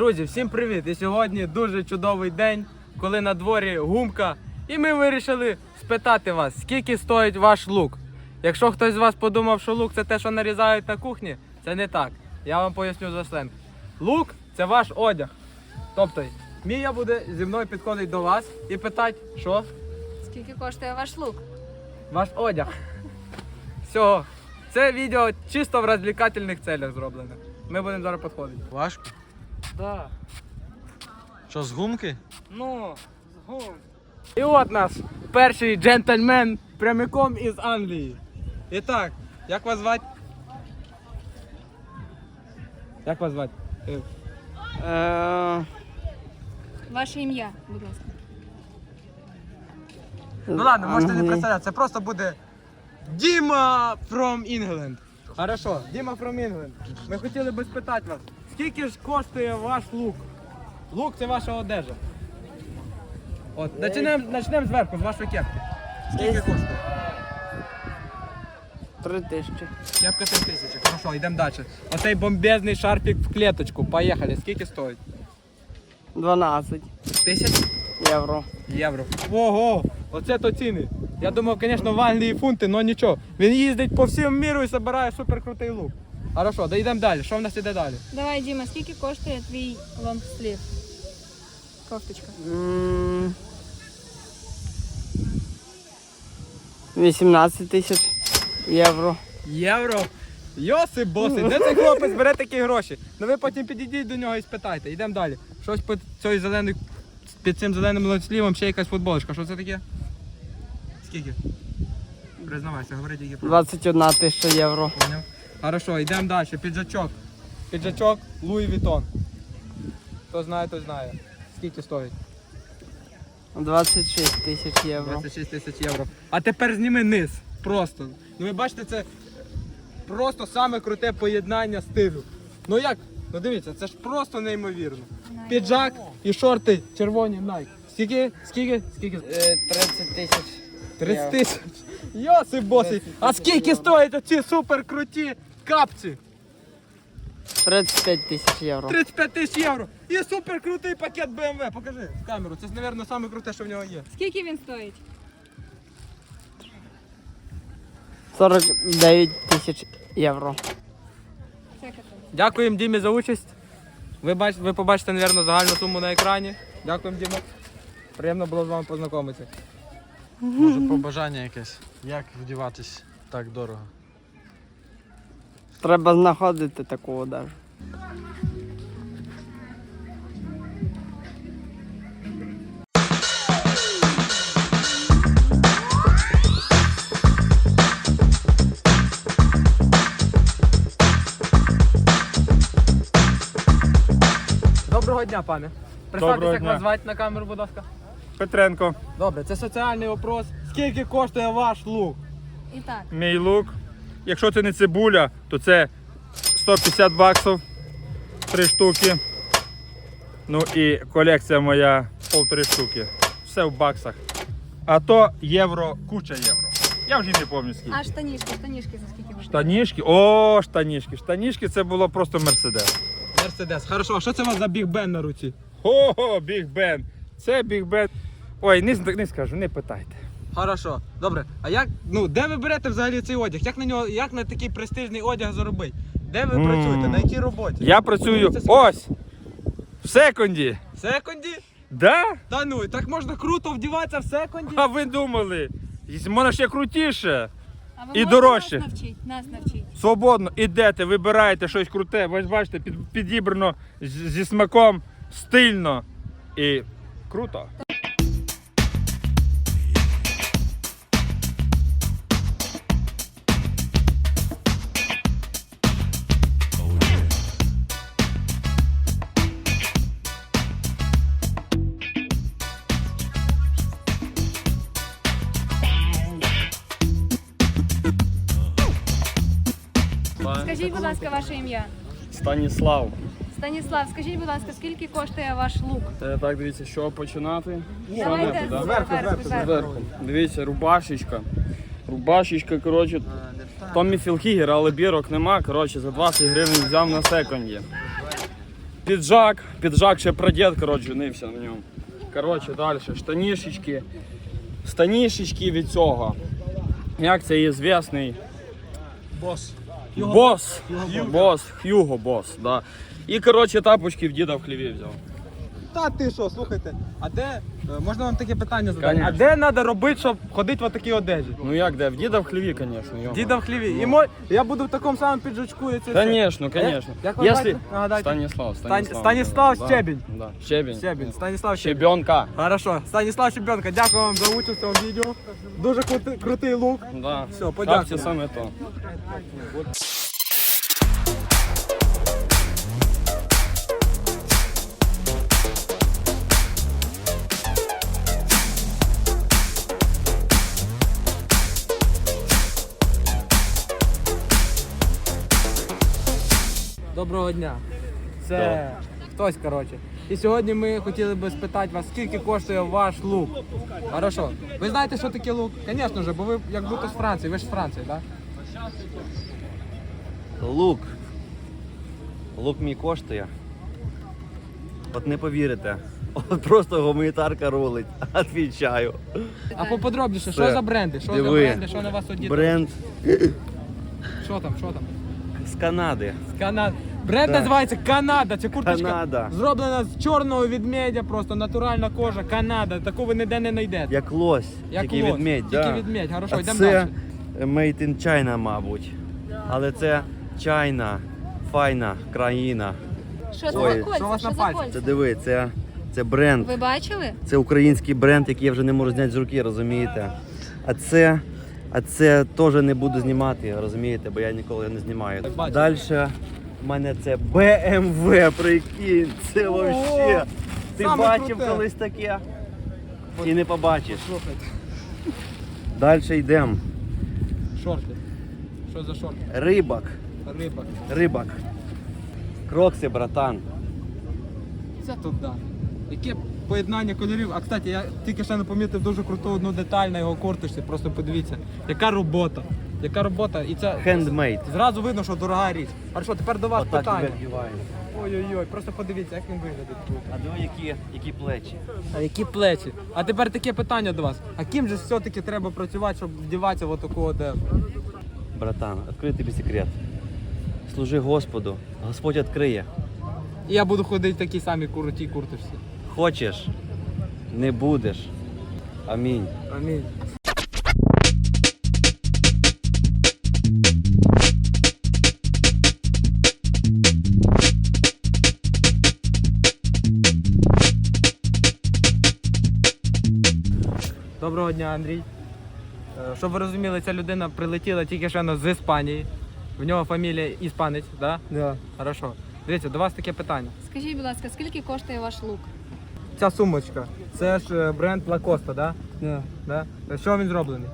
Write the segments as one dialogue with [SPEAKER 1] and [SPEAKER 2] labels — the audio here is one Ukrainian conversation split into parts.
[SPEAKER 1] Друзі, всім привіт! І сьогодні дуже чудовий день, коли на дворі гумка. І ми вирішили спитати вас, скільки стоїть ваш лук. Якщо хтось з вас подумав, що лук це те, що нарізають на кухні, це не так. Я вам поясню за сленг. Лук це ваш одяг. Тобто, Мія буде зі мною підходити до вас і питати, що?
[SPEAKER 2] Скільки коштує ваш лук?
[SPEAKER 1] Ваш одяг. Все. Це відео чисто в розвлекательних целях зроблене. Ми будемо зараз підходити.
[SPEAKER 3] Важко?
[SPEAKER 1] Да.
[SPEAKER 3] Що, з гумки?
[SPEAKER 1] Ну, згум. І от наш перший джентльмен прямиком із Англії. І так, як вас звати? Як вас звати?
[SPEAKER 2] Ваше ім'я, будь ласка.
[SPEAKER 1] Ну ладно, можете не представляти, це просто буде Діма from England. Хорошо, Діма from England. Ми хотіли би спитати вас, скільки ж коштує ваш лук? Лук це ваша одежа. От, почнемо зверху, з вашої кепки. Скільки коштує?
[SPEAKER 4] 3000.
[SPEAKER 1] Кепка 3000. Хорошо, йдемо далі. Оцей бомбезний шарфік в клеточку. Поїхали. Скільки стоїть?
[SPEAKER 4] 12
[SPEAKER 1] 1000
[SPEAKER 4] євро.
[SPEAKER 1] євро. Ого! Оце то ціни. Я думав, звісно, в Англії фунти, але нічого. Він їздить по всьому міру і збирає суперкрутий лук. Хорошо, да йдемо далі. Що в нас іде далі?
[SPEAKER 2] Давай, Діма, скільки коштує твій лонгслів? Кофточка.
[SPEAKER 4] 18 тисяч євро.
[SPEAKER 1] Євро? Йосип босий, де цей хлопець бере такі гроші? Ну ви потім підійдіть до нього і спитайте. Йдемо далі. Щось під цим зеленим лонслівом ще якась футболочка. Що це таке? Скільки? Признавайся, говори тільки про.
[SPEAKER 4] 21 тисяча євро.
[SPEAKER 1] Поняв? Хорошо, йдемо далі. Піджачок. Піджачок Луї Вітон. Хто знає, той знає. Скільки стоїть?
[SPEAKER 4] 26 тисяч євро.
[SPEAKER 1] 26 тисяч євро. А тепер зніми низ. Просто. Ну ви бачите, це просто саме круте поєднання стилю. Ну як? Ну дивіться, це ж просто неймовірно. Піджак і шорти червоні Nike. Скільки?
[SPEAKER 4] 30 тисяч.
[SPEAKER 1] 30 тисяч. Йосип босий. А скільки стоять оці суперкруті капці?
[SPEAKER 4] 35 тисяч євро.
[SPEAKER 1] 35 тисяч євро. І суперкрутий пакет BMW. Покажи в камеру. Це, мабуть, саме круте, що в нього є.
[SPEAKER 2] Скільки він стоїть?
[SPEAKER 4] 49 тисяч євро.
[SPEAKER 2] Це каталог.
[SPEAKER 1] Дякуємо Дімі за участь. Ви побачите, мабуть, загальну суму на екрані. Дякуємо, Діма. Приємно було з вами познайомитися.
[SPEAKER 3] Може побажання якесь? Як вдіватись так дорого?
[SPEAKER 4] Треба знаходити таку одежу.
[SPEAKER 1] Доброго дня, пане. Представтеся,
[SPEAKER 3] Доброго
[SPEAKER 1] як
[SPEAKER 3] дня.
[SPEAKER 1] вас звати на камеру, будь ласка.
[SPEAKER 5] Петренко,
[SPEAKER 1] Добре, це соціальний опрос. Скільки коштує ваш лук?
[SPEAKER 2] І так,
[SPEAKER 5] мій лук. Якщо це не цибуля, то це 150 баксів, 3 штуки. Ну і колекція моя 1,5 штуки. Все в баксах. А то євро, куча євро. Я вже не пам'ятаю скільки.
[SPEAKER 2] а штанішки за скільки ви?
[SPEAKER 5] Штанішки, о, штанішки. Штанішки це було просто Мерседес.
[SPEAKER 1] Мерседес. Хорошо, а що це у вас за Біг Бен на руці?
[SPEAKER 5] Ого, Біг Бен. Це Біг Бен. Ой, не скажу, не питайте.
[SPEAKER 1] Хорошо. Добре. А як, де ви берете взагалі цей одяг? Як на такий престижний одяг заробити? Де ви працюєте? На якій роботі?
[SPEAKER 5] Я працюю ось, в секунді.
[SPEAKER 1] В секунді?
[SPEAKER 5] Да?
[SPEAKER 1] Та ну, так можна круто вдіватися в секунді?
[SPEAKER 5] А ви думали? Можна ще крутіше.
[SPEAKER 2] А ви
[SPEAKER 5] і
[SPEAKER 2] можете
[SPEAKER 5] дорожче.
[SPEAKER 2] Нас навчіть.
[SPEAKER 5] Свободно ідете, вибираєте щось круте. Ви ж бачите, підібрано зі смаком, стильно і круто.
[SPEAKER 2] Скажіть, будь ласка, ваше ім'я.
[SPEAKER 6] Станіслав.
[SPEAKER 2] Станіслав, скажіть, будь ласка, скільки коштує ваш лук?
[SPEAKER 6] Так, дивіться, що починати?
[SPEAKER 2] Давайте зверху.
[SPEAKER 6] Зверху. Дивіться, рубашечка. Рубашечка, коротше, Томмі Філхігер, але бірок нема, коротше, за 20 гривень взяв на секунді. Піджак ще прадід, коротше, женився на ньому. Коротше, далі, станішечки від цього. Як це є звісний?
[SPEAKER 3] Бос.
[SPEAKER 6] Хьюго Босс, да. І, коротше, тапочки в діда в хліві взяв.
[SPEAKER 1] Та ти що, слухайте, а де, можна вам таке питання задати?
[SPEAKER 6] Конечно.
[SPEAKER 1] А де треба робити, щоб ходити в такій одежі?
[SPEAKER 6] Ну як де? В діда в хліві, звісно.
[SPEAKER 1] Діда в хліві. І я буду в такому самому піджачку і це все.
[SPEAKER 6] Конечно.
[SPEAKER 1] Як вас звати? Нагадайте.
[SPEAKER 6] Станіслав.
[SPEAKER 1] Станіслав
[SPEAKER 6] Да.
[SPEAKER 1] Щебінь.
[SPEAKER 6] Да. Щебінь.
[SPEAKER 1] Станіслав Щебінь.
[SPEAKER 6] Щебенка.
[SPEAKER 1] Хорошо. Станіслав Щебенко, дякую вам за участь у цьому відео. Дуже крутий лук.
[SPEAKER 6] Да.
[SPEAKER 1] Все, подякую.
[SPEAKER 6] Так, це саме то.
[SPEAKER 1] Доброго дня. Це хтось, коротше. І сьогодні ми хотіли би спитати вас, скільки коштує ваш лук. Хорошо. Ви знаєте, що таке лук? Звісно ж, бо ви як будто з Франції, ви ж з Франції, так?
[SPEAKER 7] Лук. Лук мій коштує. От не повірите. От просто гуманітарка рулить. Отвічаю.
[SPEAKER 1] А поподробніше, що
[SPEAKER 7] Все.
[SPEAKER 1] за бренди? Що за
[SPEAKER 7] Диви.
[SPEAKER 1] бренди, що на вас одіти?
[SPEAKER 7] Бренд
[SPEAKER 1] Що там?
[SPEAKER 7] з Канади.
[SPEAKER 1] Канада. Бренд
[SPEAKER 7] Так.
[SPEAKER 1] називається Канада. Це курточка
[SPEAKER 7] Канада.
[SPEAKER 1] зроблена з чорного ведмедя, просто натуральна кожа. Канада. Таку ви ніде не знайдете.
[SPEAKER 7] Як лось. Тільки
[SPEAKER 1] лось.
[SPEAKER 7] відмідь.
[SPEAKER 1] Тільки
[SPEAKER 7] Да.
[SPEAKER 1] відмідь. Хорошо,
[SPEAKER 7] А
[SPEAKER 1] йдемо
[SPEAKER 7] це
[SPEAKER 1] далі.
[SPEAKER 7] Made in China, мабуть. Але це China, файна країна.
[SPEAKER 2] Що це
[SPEAKER 7] Ой,
[SPEAKER 2] за кольця?
[SPEAKER 1] що у вас
[SPEAKER 2] Що
[SPEAKER 1] на
[SPEAKER 2] за
[SPEAKER 1] пальці?
[SPEAKER 7] Це
[SPEAKER 2] кольця?
[SPEAKER 7] диви, це бренд.
[SPEAKER 2] Ви бачили?
[SPEAKER 7] Це український бренд, який я вже не можу зняти з руки, розумієте? А це теж не буду знімати, розумієте, бо я ніколи не знімаю.
[SPEAKER 1] Бачу.
[SPEAKER 7] Далі в мене це BMW, прикинь, це вообще. Ти
[SPEAKER 1] саме
[SPEAKER 7] бачив
[SPEAKER 1] круте.
[SPEAKER 7] колись таке? І не побачиш.
[SPEAKER 1] Слухайте,
[SPEAKER 7] Далі йдемо.
[SPEAKER 1] шорти. Що за шорти?
[SPEAKER 7] Рибак.
[SPEAKER 1] Риба.
[SPEAKER 7] Крокси, братан.
[SPEAKER 1] Це тут, да. Яке поєднання кольорів. А, кстати, я тільки ще не помітив дуже круту одну деталь на його курточці. Просто подивіться. Яка робота. І це
[SPEAKER 7] Handmade.
[SPEAKER 1] зразу видно, що дорога річ. Хорошо, тепер до вас
[SPEAKER 7] Отак тебе
[SPEAKER 1] питання.
[SPEAKER 7] вдівають.
[SPEAKER 1] Ой-ой-ой, просто подивіться, як він виглядить круто.
[SPEAKER 7] А диви, які плечі.
[SPEAKER 1] А які плечі. А тепер таке питання до вас. А ким же все-таки треба працювати, щоб вдіватися в таку одежу?
[SPEAKER 7] Братан, відкрию тобі секрет. Служи Господу, Господь відкриє.
[SPEAKER 1] І я буду ходити в такій самій крутій курточці.
[SPEAKER 7] Хочеш, не будеш. Амінь.
[SPEAKER 1] Амінь. Доброго дня, Андрій. Щоб ви розуміли, ця людина прилетіла тільки що з Іспанії. В нього фамілія іспанець, так?
[SPEAKER 4] Да.
[SPEAKER 1] Хорошо. Дивіться, до вас таке питання.
[SPEAKER 2] Скажіть, будь ласка, скільки коштує ваш лук?
[SPEAKER 1] Ця сумочка, це ж бренд Lacoste, так?
[SPEAKER 4] Да.
[SPEAKER 1] Да? З чого він зроблений?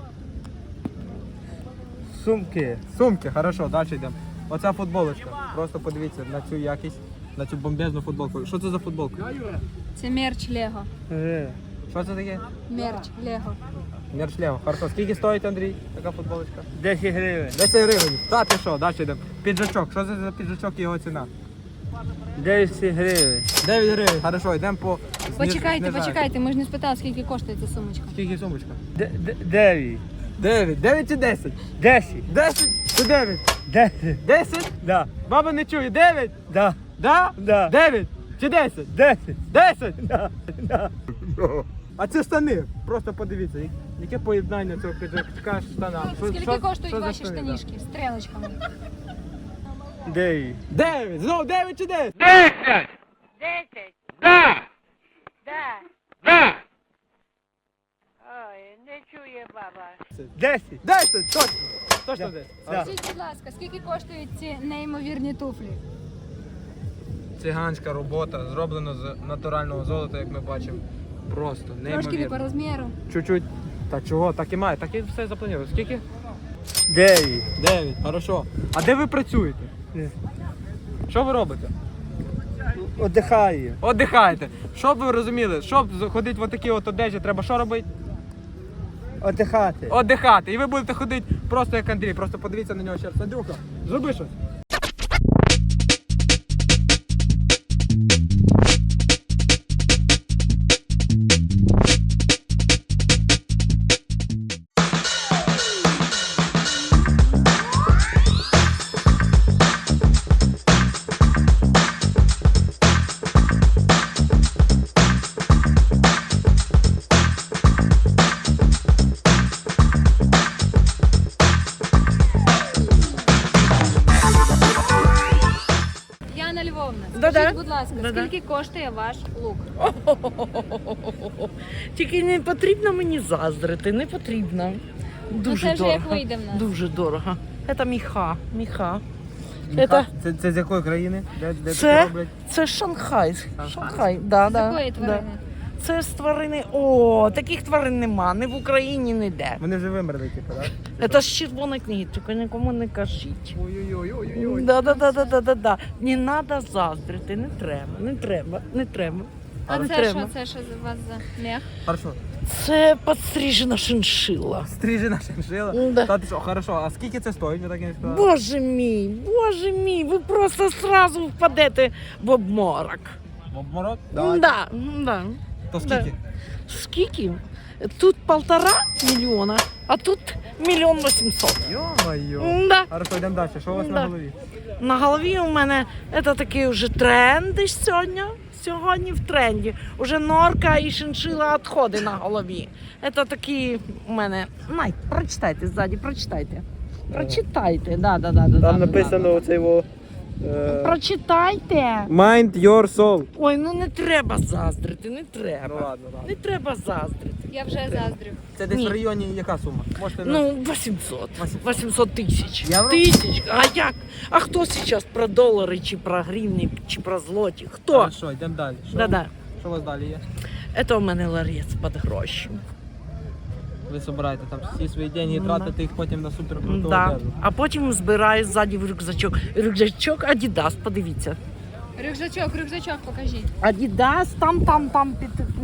[SPEAKER 4] Сумки.
[SPEAKER 1] Сумки, хорошо, далі йдемо. Оця футболочка. Просто подивіться на цю якість, на цю бомбезну футболку. Що це за футболка?
[SPEAKER 2] Це мерч Лего.
[SPEAKER 1] Що це таке?
[SPEAKER 2] Мерч Лего.
[SPEAKER 1] Мершлево. Хорошо. Скільки стоїть, Андрій, така футболочка?
[SPEAKER 4] 10 гривень.
[SPEAKER 1] 10 гривень. Та ти що, далі йдемо. Піджачок. Що це за піджачок і його ціна?
[SPEAKER 4] 10 гривень.
[SPEAKER 1] 9 гривень. Хорошо, йдемо по...
[SPEAKER 2] Почекайте, ми ж не спитали, скільки коштує ця сумочка.
[SPEAKER 1] Скільки сумочка?
[SPEAKER 4] 9.
[SPEAKER 1] 9. 9 чи 10?
[SPEAKER 4] 10.
[SPEAKER 1] 10 чи 9?
[SPEAKER 4] 10.
[SPEAKER 1] 10?
[SPEAKER 4] Да.
[SPEAKER 1] Баба не чує. 9?
[SPEAKER 4] Да.
[SPEAKER 1] Да?
[SPEAKER 4] Да.
[SPEAKER 1] 9 чи 10?
[SPEAKER 4] 10.
[SPEAKER 1] 10?
[SPEAKER 4] Да. Да.
[SPEAKER 1] А це штани. Просто подивіться, яке поєднання цього піджачка з штанами.
[SPEAKER 2] Скільки коштують
[SPEAKER 1] за
[SPEAKER 2] ваші
[SPEAKER 1] штани,
[SPEAKER 2] штанішки з стрілочками?
[SPEAKER 4] 9.
[SPEAKER 1] да? 9. Знову 9 чи 10?
[SPEAKER 8] 10! Да! Да! Ой, не чує баба.
[SPEAKER 4] 10.
[SPEAKER 1] 10, точно. Точно 10.
[SPEAKER 4] Да.
[SPEAKER 2] Скажіть, будь ласка, скільки коштують ці неймовірні туфлі?
[SPEAKER 1] Циганська робота, зроблена з натурального золота, як ми бачимо. Просто
[SPEAKER 2] Трошки не
[SPEAKER 1] неймовірно.
[SPEAKER 2] по розміру.
[SPEAKER 1] Чуть-чуть. Та чого, так і має, так і все заплановано. Скільки?
[SPEAKER 4] 9.
[SPEAKER 1] 9, хорошо. А де ви працюєте? Що ви робите?
[SPEAKER 4] Отдихаю.
[SPEAKER 1] Отдихаєте. Щоб ви розуміли, щоб ходити в отакі от одежі, треба що робити?
[SPEAKER 4] Отдихати.
[SPEAKER 1] Отдихати. І ви будете ходити просто як Андрій. Просто подивіться на нього ще раз. Андрюха, зроби щось.
[SPEAKER 2] Скажіть, будь ласка, скільки коштує ваш лук?
[SPEAKER 9] Тільки не потрібно мені заздрити, не потрібно. Дуже
[SPEAKER 2] це вже
[SPEAKER 9] дорого.
[SPEAKER 2] як вийде в нас.
[SPEAKER 9] Дуже дорого. Це міха.
[SPEAKER 1] Це з якої країни? Де
[SPEAKER 9] Це-
[SPEAKER 1] таке роблять?
[SPEAKER 9] Це Шанхай. Шанхай, да,
[SPEAKER 2] З
[SPEAKER 9] да.
[SPEAKER 2] якої тварини?
[SPEAKER 9] Да. Це з тварини. О, таких тварин нема, ні в Україні, ніде.
[SPEAKER 1] Вони вже вимерли, типу, так?
[SPEAKER 9] Це з червоної книги, тільки нікому не кажіть.
[SPEAKER 1] Ой-ой-ой.
[SPEAKER 9] Да. Не треба заздрити, не треба.
[SPEAKER 2] А
[SPEAKER 9] Не
[SPEAKER 2] це
[SPEAKER 9] треба.
[SPEAKER 2] що? Це що за вас за мех?
[SPEAKER 1] Хорошо.
[SPEAKER 9] Це підстрижена шиншила.
[SPEAKER 1] Стрижена шиншила.
[SPEAKER 9] Да.
[SPEAKER 1] Та ти що, хорошо, а скільки це стоїть? Ви так і не сказали?
[SPEAKER 9] Боже мій, ви просто сразу впадете в обморок.
[SPEAKER 1] В обморок?
[SPEAKER 9] Да.
[SPEAKER 1] То скільки?
[SPEAKER 9] Скільки? Тут 1,5 мільйона, а тут 1 800
[SPEAKER 1] Йо-моє.
[SPEAKER 9] 000. Да.
[SPEAKER 1] Хорошо, йдемо далі. Що у вас
[SPEAKER 9] Да.
[SPEAKER 1] на голові?
[SPEAKER 9] На голові у мене це такий вже тренди сьогодні. Сьогодні в тренді. Уже норка і шиншила відходи на голові. Це такі у мене. Прочитайте ззаді, прочитайте. Прочитайте, да.
[SPEAKER 1] Там написано оце його...
[SPEAKER 9] Прочитайте.
[SPEAKER 1] Mind your soul.
[SPEAKER 9] Ой, ну не треба заздрити, не
[SPEAKER 1] Ну
[SPEAKER 9] треба.
[SPEAKER 1] ладно.
[SPEAKER 9] Не треба заздрити.
[SPEAKER 2] Я вже заздрю.
[SPEAKER 1] Це десь
[SPEAKER 9] Ні.
[SPEAKER 1] в районі яка сума? Можете
[SPEAKER 9] Ну, 800 тисяч.
[SPEAKER 1] Євро?
[SPEAKER 9] Тисяч. А як? А хто зараз про долари, чи про гривні, чи про злоті? Хто?
[SPEAKER 1] Хорошо, йдемо далі.
[SPEAKER 9] Да.
[SPEAKER 1] Що у вас далі є?
[SPEAKER 9] Це у мене ларець під гроші.
[SPEAKER 1] Ви збираєте там всі свої деньги і тратите їх потім на суперкруту
[SPEAKER 9] Да.
[SPEAKER 1] одежу.
[SPEAKER 9] А потім збираю ззаді в рюкзачок. Рюкзачок Adidas, подивіться.
[SPEAKER 2] Рюкзачок покажіть.
[SPEAKER 9] Adidas, там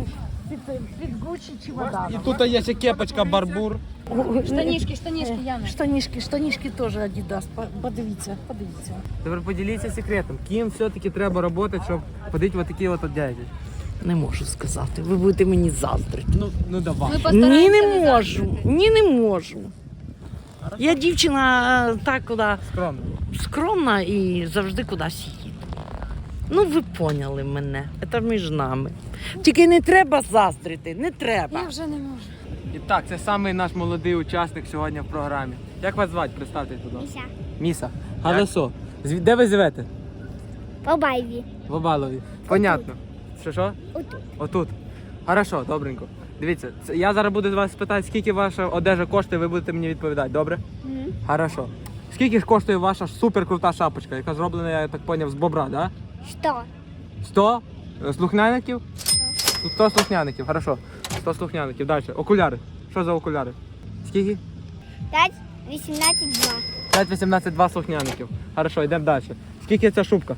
[SPEAKER 9] під Gucci чи вода.
[SPEAKER 1] І тут є ще кепочка Барбур.
[SPEAKER 2] Штанішки, Яна.
[SPEAKER 9] Штанішки теж Adidas. Подивіться.
[SPEAKER 1] Тепер поділіться секретом. Ким все-таки треба працювати, щоб ходити в такі от одяги?
[SPEAKER 9] Не можу сказати. Ви будете мені заздрити.
[SPEAKER 1] Ну давай.
[SPEAKER 2] Ми
[SPEAKER 9] Ні,
[SPEAKER 2] постараємося
[SPEAKER 9] не можу.
[SPEAKER 2] заздрити.
[SPEAKER 9] Ні, не можу. Я дівчина так куди
[SPEAKER 1] Скромно.
[SPEAKER 9] скромна і завжди кудись їду. Ну, ви поняли мене. Це між нами. Тільки не треба заздрити, не треба.
[SPEAKER 2] Я вже не можу.
[SPEAKER 1] І так, це самий наш молодий учасник сьогодні в програмі. Як вас звати? Представтесь, будь ласка. Міса. Галасо. Де ви живете?
[SPEAKER 10] По байві.
[SPEAKER 1] В Обалові. Понятно. Що?
[SPEAKER 10] Отут.
[SPEAKER 1] Отут. Хорошо, добренько. Дивіться, я зараз буду вас питати, скільки ваша одежа коштує, ви будете мені відповідати, добре? Хорошо. Скільки ж коштує ваша суперкрута шапочка, яка зроблена, я так зрозумів, з бобра, да?
[SPEAKER 10] Що?
[SPEAKER 1] 100 слухняників? 100 слухняників, хорошо. 100 слухняників. Далі. Окуляри. Що за окуляри? Скільки?
[SPEAKER 10] 5, 18, 2.
[SPEAKER 1] 5, 18, 2 слухняників. Хорошо, йдемо далі. Скільки ця шубка?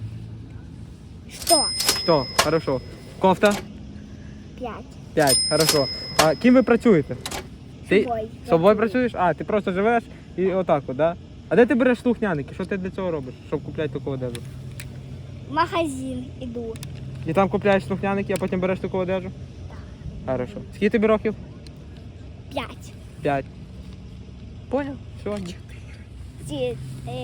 [SPEAKER 10] Що?
[SPEAKER 1] 100. Хорошо. Кофта?
[SPEAKER 10] 5.
[SPEAKER 1] 5. Хорошо. А ким ви працюєте? Ти
[SPEAKER 10] Собою.
[SPEAKER 1] з собою працюєш? А, ти просто живеш і отак от, да? А де ти береш слухняники? Що ти для цього робиш, щоб купляти таку одежу?
[SPEAKER 10] В магазин іду.
[SPEAKER 1] І там купляєш слухняники, а потім береш таку одежу? Хорошо. Скільки тобі років?
[SPEAKER 10] 5.
[SPEAKER 1] 5. Поняв? Все.
[SPEAKER 10] 4.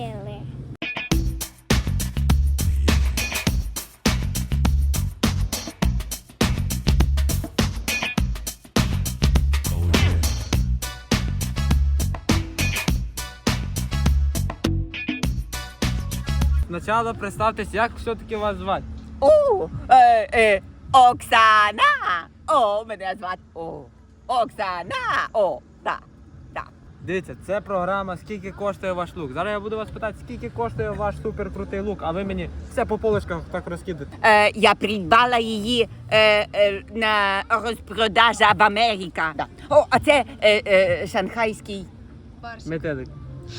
[SPEAKER 1] Спочатку представтесь, як все-таки вас звати?
[SPEAKER 8] Оксана! О, мене звати Оксана! О, так.
[SPEAKER 1] Дивіться, це програма «Скільки коштує ваш лук?». Зараз я буду вас питати, скільки коштує ваш суперкрутий лук, а ви мені все по полочках так розкидаєте.
[SPEAKER 8] Я придбала її на розпродажі в Америці. О, а це шанхайський
[SPEAKER 1] Метелик.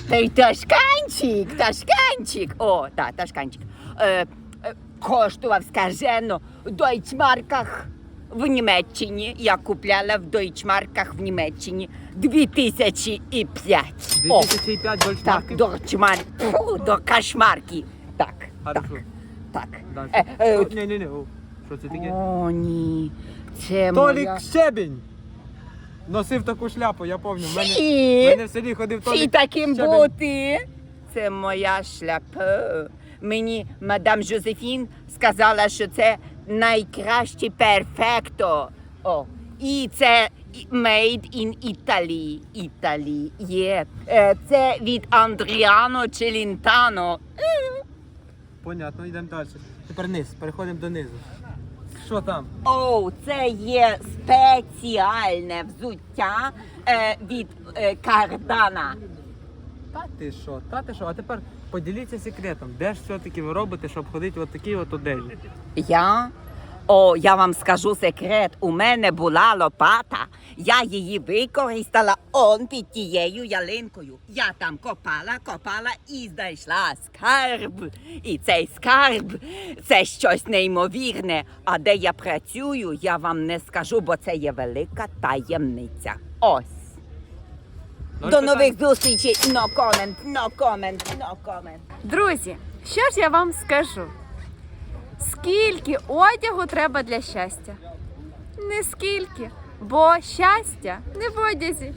[SPEAKER 8] Ташканчик. О, так, Ташканчик. Коштував скажено в дойчмарках в Німеччині. Я купляла в дойчмарках в Німеччині 2005. О,
[SPEAKER 1] 2005
[SPEAKER 8] так,
[SPEAKER 1] дольшмарків?
[SPEAKER 8] до кошмарки. Так.
[SPEAKER 1] Хорошо.
[SPEAKER 8] Так.
[SPEAKER 1] Далі. Ні. Що це таке?
[SPEAKER 8] О, ні. Це
[SPEAKER 1] Толік
[SPEAKER 8] моя...
[SPEAKER 1] Щебінь! Носив таку шляпу, я пам'ятаю. В
[SPEAKER 8] Ці.
[SPEAKER 1] мене в селі ходив
[SPEAKER 8] Чи
[SPEAKER 1] Толік
[SPEAKER 8] таким
[SPEAKER 1] Щебінь.
[SPEAKER 8] бути? Це моя шляпа. Мені мадам Жозефін сказала, що це найкраще перфекто. О, і це made in Italy. Італії. Є. Це від Андріано Челентано.
[SPEAKER 1] Понятно, йдемо далі. Тепер низ, переходимо донизу. Що там?
[SPEAKER 8] О, це є спеціальне взуття від Кардана.
[SPEAKER 1] Та ти що? А тепер поділіться секретом. Де ж все-таки ви робите, щоб ходити от такій от одежі?
[SPEAKER 8] Я? О, я вам скажу секрет. У мене була лопата. Я її використала он під тією ялинкою. Я там копала і знайшла скарб. І цей скарб – це щось неймовірне. А де я працюю, я вам не скажу, бо це є велика таємниця. Ось. До нових зустрічей. No comment.
[SPEAKER 2] Друзі, що ж я вам скажу? Скільки одягу треба для щастя? Не скільки, бо щастя не в одязі.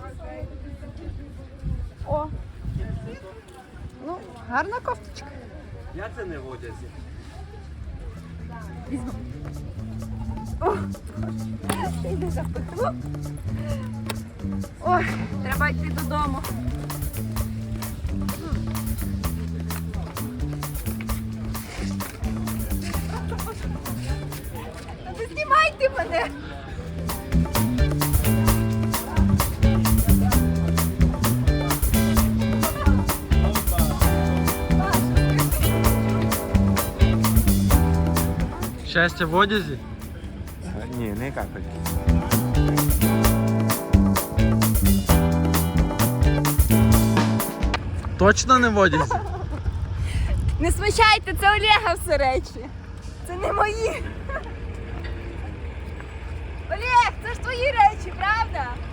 [SPEAKER 2] О, ну, гарна кофточка.
[SPEAKER 7] Я це не в одязі.
[SPEAKER 2] Ой, треба йти додому. Не знімайте мене!
[SPEAKER 3] Щастя в одязі?
[SPEAKER 1] Ні, не капель.
[SPEAKER 3] Точно не в одязі?
[SPEAKER 2] Не смущайте, це Олега все речі. Це не мої. Олег, це ж твої речі, правда?